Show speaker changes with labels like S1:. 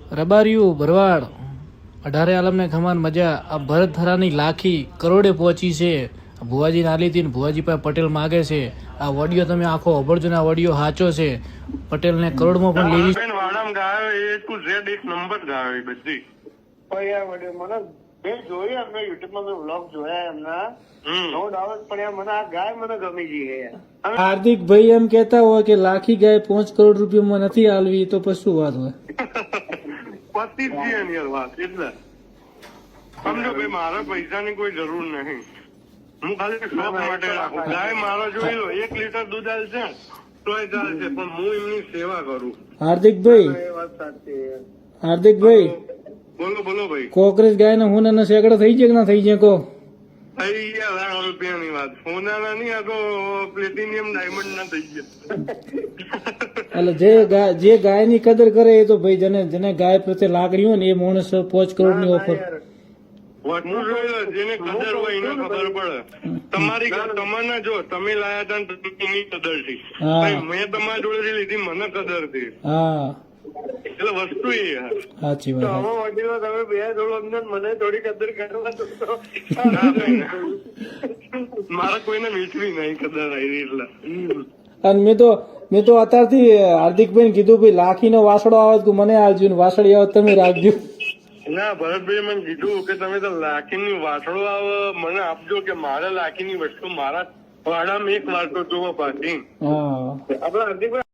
S1: રબારિયું ભરવાડ 18 આલમને ખમાન મજા આ ભરત થરાની લાખી કરોડે પહોંચી છે. ભુવાજી નાલી હતી ને ભુવાજી પાસે પટેલ માગે છે. આ ઓડિયો તમે આખો અભળજો ને આ ઓડિયો સાચો છે. પટેલને કરોડમાં પણ લેવી
S2: વાડામ ગાયો એ ટુ ઝેડ એક નંબર ગાયો એ બધી
S3: મને મેં જોયું એમને યુટ્યુબમાં મેં વ્લોગ જોયા એમના નો ડાઉટ પણ યાર મને આ ગાય મને ગમી ગઈ છે યાર.
S1: હાર્દિક ભાઈ એમ કેતા હોય કે લાખી ગાય 5 કરોડ રૂપિયામાં નથી આલવી તો પછી શું વાત હોય?
S2: પતિ જ છે યાર વાત એટલે સમજો ભાઈ મારા પૈસાની કોઈ જરૂર નહીં. હું ખાલી શોખ માટે રાખું. ગાય મારો જોઈ લો 1 લીટર દૂધ આલશે તોય ચાલશે પણ હું એમની સેવા કરું.
S1: હાર્દિકભાઈ
S3: એ વાત સાચી છે.
S1: હાર્દિકભાઈ
S2: બોલો બોલો ભાઈ.
S1: કોકરેજ ગાય ના હુના સેકડા થઈ જાય કે ના થઈ જાય કો?
S2: થઈ ગયા લાખ રૂપિયાની વાત. સોનાના નહીં આ તો પ્લેટિનિયમ ડાયમંડ ના થઈ ગયા.
S1: એટલે જે ગાય ની કદર કરે એ તો ભાઈ જેને ગાય પ્રત્યે લાગણી હોય ને એ માણસ 5 કરોડ ની ઓફર
S2: વસ્તુ જોઈ લો જેને કદર હોય એને ખબર પડે. તમારી તમને જો તમે લાયા હતા ને એની કદર થી મેં તમારા જોડેથી લીધી મને કદર થી.
S1: હા
S2: એટલે વસ્તુ એ યાર
S1: સાચી
S3: તો
S1: વાત.
S3: આમાં વડીલો તમે બે થોડું અમને મને થોડી કદર કરવા દો તો.
S2: મારા કોઈને મીઠવી નહીં કદર આવી એટલે
S1: અને મેં તો અત્યારથી હાર્દિકભાઈ કીધું ભાઈ લાખીનો વાસડો આવે તો મને આવજો ને વાસળી આવે તમે રાખજો.
S2: ના ભરતભાઈ મને કીધું કે તમે તો લાખીની વાસળો આવે મને આપજો કે મારે લાખીની વસ્તુ મારા વાડામાં એક વાર તો જોવો પાછી.
S1: હા
S3: આપડે હાર્દિકભાઈ